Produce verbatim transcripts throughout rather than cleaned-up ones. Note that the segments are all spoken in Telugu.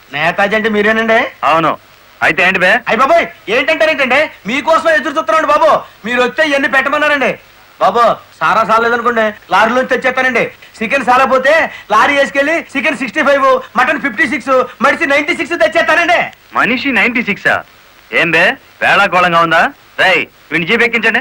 నేతాజీ అంటే మీరేనండి? అవును. అయితే ఏంటి బే? అయ్య బాబోయ్, ఏంటంటారేంటండి? మీకోసం ఎదురు చూస్తున్నాండి బాబు. మీరు వచ్చే ఇవన్నీ పెట్టమన్నారండి బాబు. సారా సాలేదనుకోండి, లారీలోంచి తెచ్చేస్తానండి. చికెన్ సాలపోతే లారీ వేసుకెళ్ళి chicken sixty five, mutton fifty six, మనిషి నైన్టీ సిక్స్ తెచ్చేస్తానండి. మనిషి నైన్టీ సిక్సా? ఏం బే వేళాకోళంగా ఉందా? రై వీడిని జీప్ ఎక్కించండి.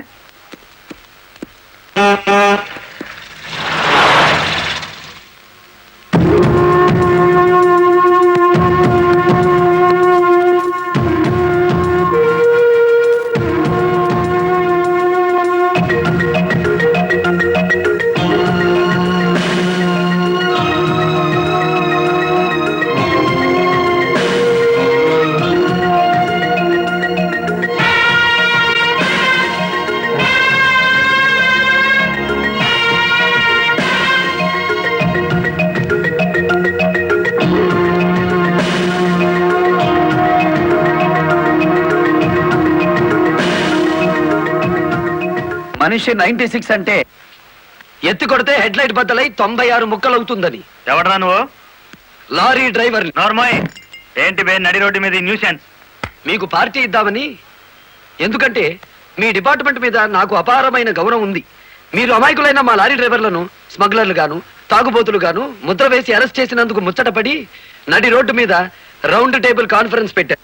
మనిషి నైన్టీ సిక్స్ అంటే ఎత్తి కొడితే హెడ్ లైట్ బద్దలై తొంభై ఆరు ముక్కలు అవుతుందని. ఎవడరా నువ్వు? Lorry driver. నార్మల్. ఏంటి బే నడి రోడ్డు మీద న్యూసెన్స్? మీకు పార్టీ ఇద్దామని. ఎందుకంటే మీ డిపార్ట్మెంట్ మీద నాకు అపారమైన గౌరవం ఉంది. మీరు అమాయకులైన మా లారీ డ్రైవర్లను స్మగ్లర్లు గాను తాగుబోతులు గాను ముద్ర వేసి అరెస్ట్ చేసినందుకు ముచ్చటపడి నడి రోడ్డు మీద రౌండ్ టేబుల్ కాన్ఫరెన్స్ పెట్టారు.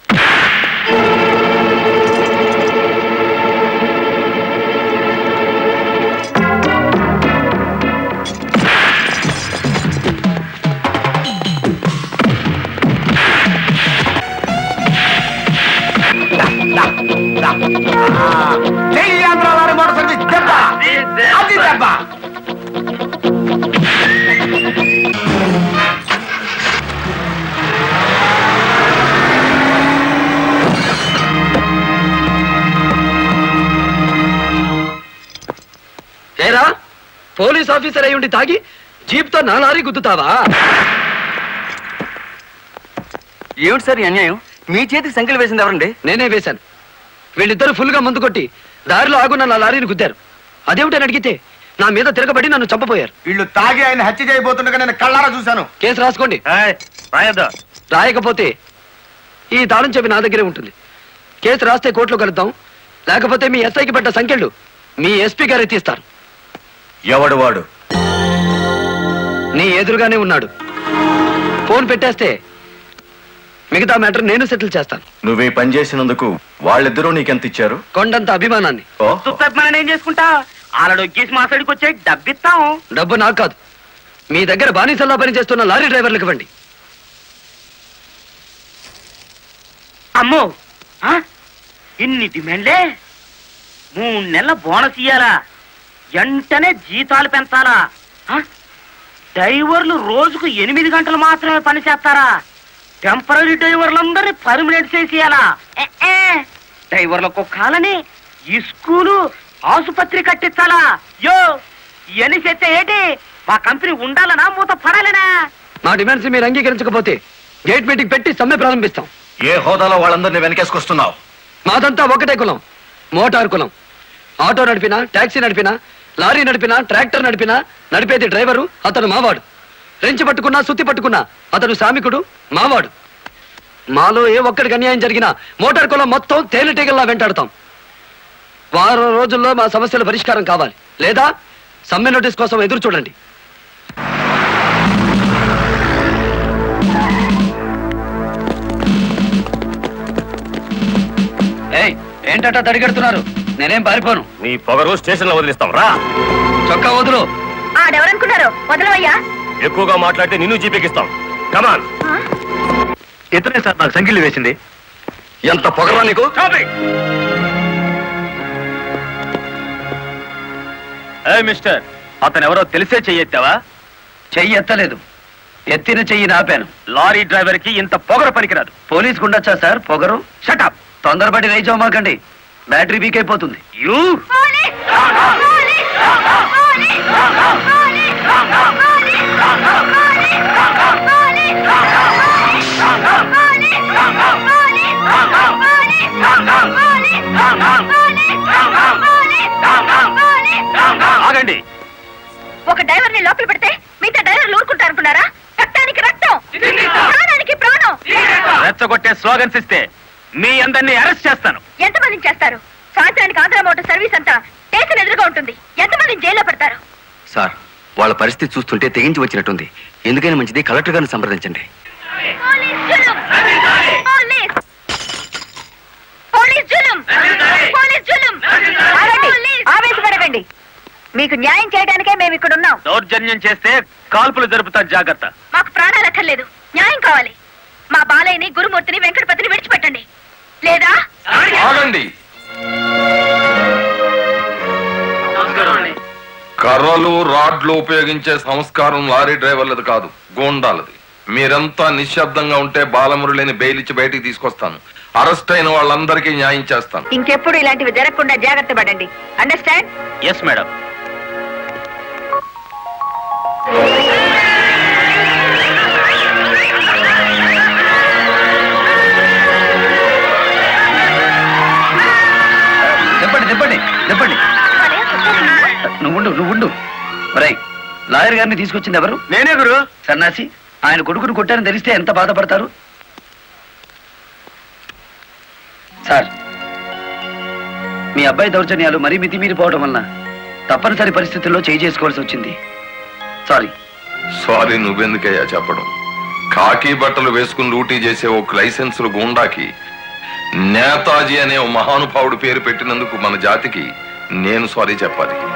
ఏరా పోలీస్ ఆఫీసర్ అయి ఉండి తాగి జీప్తో నా లారీ గుద్దుతావా? ఏమిటి సార్ ఈ అన్యాయం? మీ చేతికి సంఖ్యలు వేసింది ఎవరండి? నేనే వేశాను. వీళ్ళిద్దరు ఫుల్ గా ముందు కొట్టి దారిలో ఆగున్న నా లారీని గుద్దారు. అదేమిటని అడిగితే నా మీద తిరగబడి నన్ను చంపపోయారు. వీళ్ళు తాగి ఆయన హత్య చేయబోతుండగా నేను కళ్ళారా చూశాను. కేసు రాసుకోండి. రాయద్దా? రాయకపోతే ఈ తాళం చెప్పి నా దగ్గరే ఉంటుంది. కేసు రాస్తే కోర్టులో కలుద్దాం, లేకపోతే మీ ఎస్ఐకి పడ్డ సంఖ్యలు మీ ఎస్పీ గారు ఎత్తిస్తారు. ఎవడు వాడు? నీ ఎదురుగానే ఉన్నాడు. ఫోన్ పెట్టేస్తే మిగతా మ్యాటర్ నేను సెటిల్ చేస్తాను. నువ్వే పని చేసినందుకు వాళ్ళిద్దరూ నీకెంత ఇచ్చారు? కొండంత అభిమానాన్ని. మనం ఏం చేసుకుంటా? ఆలడొక్కేసి మా సైడ్కి వచ్చే డబ్బిస్తాం. డబ్బు నాకు కాదు, మీ దగ్గర బానిసల్లా పనిచేస్తున్న లారీ డ్రైవర్లకు ఇవ్వండి. అమ్మో, ఇన్ని డిమాండ్లే? మూడు నెలల బోనస్ ఇయ్యాలా? వెంటనే జీతాలు పెంచాలా? డ్రైవర్లు రోజుకు ఎనిమిది గంటలు మాత్రమే పని చేస్తారా? టెంపరీ డ్రైవర్లందరినీ పర్మనెంట్ చేసేయాలా? డ్రైవర్లకు కాలని ఈ స్కూలు ఆసుపత్రి కట్టించాలా? యో ఇవన్నీ చేస్తే ఏంటి? మా కంపెనీ ఉండాలనా మూత పడాలనా? మా డిమాండ్స్ మీరు అంగీకరించకపోతే గేట్ మీటింగ్ పెట్టి సమ్మె ప్రారంభిస్తాం. ఏ హోదాలో వాళ్ళందరినీ వెనకేసుకొస్తున్నావు? మాదంతా ఒకటే కులం, మోటార్ కులం. ఆటో నడిపినా, టాక్సీ నడిపినా, లారీ నడిపినా, ట్రాక్టర్ నడిపినా నడిపేది డ్రైవరు, అతను మావాడు. రెంచి పట్టుకున్నా, సుత్తి పట్టుకున్నా అతను శ్రామికుడు, మావాడు. మాలో ఏ ఒక్కడికి అన్యాయం జరిగినా మోటార్ కులం మొత్తం తేలిటీగల్లా వెంటాడుతాం. వారం రోజుల్లో మా సమస్యల పరిష్కారం కావాలి, లేదా సమ్మె నోటీస్ కోసం ఎదురు చూడండి. ఏయ్, ఏంటంట తడిగెడుతున్నారు? నేనేం పారిపోను. నీ పొగరు స్టేషన్ లో వదిలిస్తాం. రా. చొక్కా వదులు. ఆడెవరనుకున్నారు? వదలవయ్యా. ఎక్కువగా మాట్లాడితే నిన్ను జీపెక్కిస్తాం. కమాన్. ఇతనే సార్ నాకు సంఖ్యలు వేసింది. ఎంత పొగరా నీకు? మిస్టర్, అతను ఎవరో తెలిసే చెయ్యెత్తావా? చెయ్యి ఎత్తలేదు, ఎత్తిన చెయ్యి నాపాను. లారీ డ్రైవర్ కి ఇంత పొగరు పనికిరాదు. పోలీసుకు ఉండొచ్చా సార్ పొగరు? షటప్. తొందరపడి రైచోమాకండి, బ్యాటరీ వీక్ అయిపోతుంది. యూ ఆగండి. ఒక డ్రైవర్ ని లోపల పెడితే మిగతా డ్రైవర్లు ఊరుకుంటారు అనుకున్నారా? రక్తానికి రక్తం, ప్రాణానికి ప్రాణం. రెచ్చగొట్టే స్లోగన్స్ ఇస్తే మీ అందరినీ అరెస్ట్ చేస్తాను. ఎంతమందిని చేస్తారు? సాయంత్రానికి ఆంధ్ర మోటార్ సర్వీస్ అంతా స్టేషన్ ఎదురుగా ఉంటుంది. ఎంతమందిని జైల్లో పెడతారు? సార్, వాళ్ళ పరిస్థితి చూస్తుంటే తెగించి వచ్చినట్టుంది. ఎందుకైనా మంచిది కలెక్టర్ గారిని సంప్రదించండి. పోలీస్ జులుం! పోలీస్! పోలీస్ జులుం! పోలీస్ జులుం! ఆగండి! ఆవేశపడకండి. మీకు న్యాయం చేయడానికే మేము ఇక్కడ ఉన్నాం. దౌర్జన్యం చేస్తే కాల్పులు జరుపుతారు, జాగ్రత్త. మాకు ప్రాణాలు అక్కర్లేదు, న్యాయం కావాలి. మా బాలయ్యని, గురుమూర్తిని, వెంకటపతిని విడిచిపెట్టండి. లేదా ఆగండి. కర్రలు రాడ్లు ఉపయోగించే సంస్కారం లారీ డ్రైవర్లది కాదు, గోండాలది. మీరంతా నిశ్శబ్దంగా ఉంటే బాలమురళిని బెయిలిచ్చి బయటికి తీసుకొస్తాను. అరెస్ట్ అయిన వాళ్ళందరికీ న్యాయం చేస్తాను. ఇంకెప్పుడు ఇలాంటివి జరగకుండా జాగ్రత్త పడండి. అండర్స్టాండ్? Yes madam. చెప్పండి చెప్పండి చెప్పండి. నువ్వుండు నువ్వుండు. రై, లాయర్ గారిని తీసుకొచ్చింది ఎవరు? నేనే గురు. సన్నాసి, ఆయన కొడుకును కొట్టారని తెలిస్తే ఎంత బాధపడతారు? సార్, మీ అబ్బాయి దౌర్జన్యాలు మరీ మితిమీరిపోవడం వలన తప్పనిసరి పరిస్థితుల్లో చేయి చేసుకోవాల్సి వచ్చింది. సారీ. సారీ నువ్వెందుకయ్యా చెప్పడం? కాకి బట్టలు వేసుకుని డ్యూటీ చేసే ఒక లైసెన్సులు గూండాకి నేతాజీ అనే ఓ మహానుభావుడు పేరు పెట్టినందుకు మన జాతికి నేను సారీ చెప్పాలి.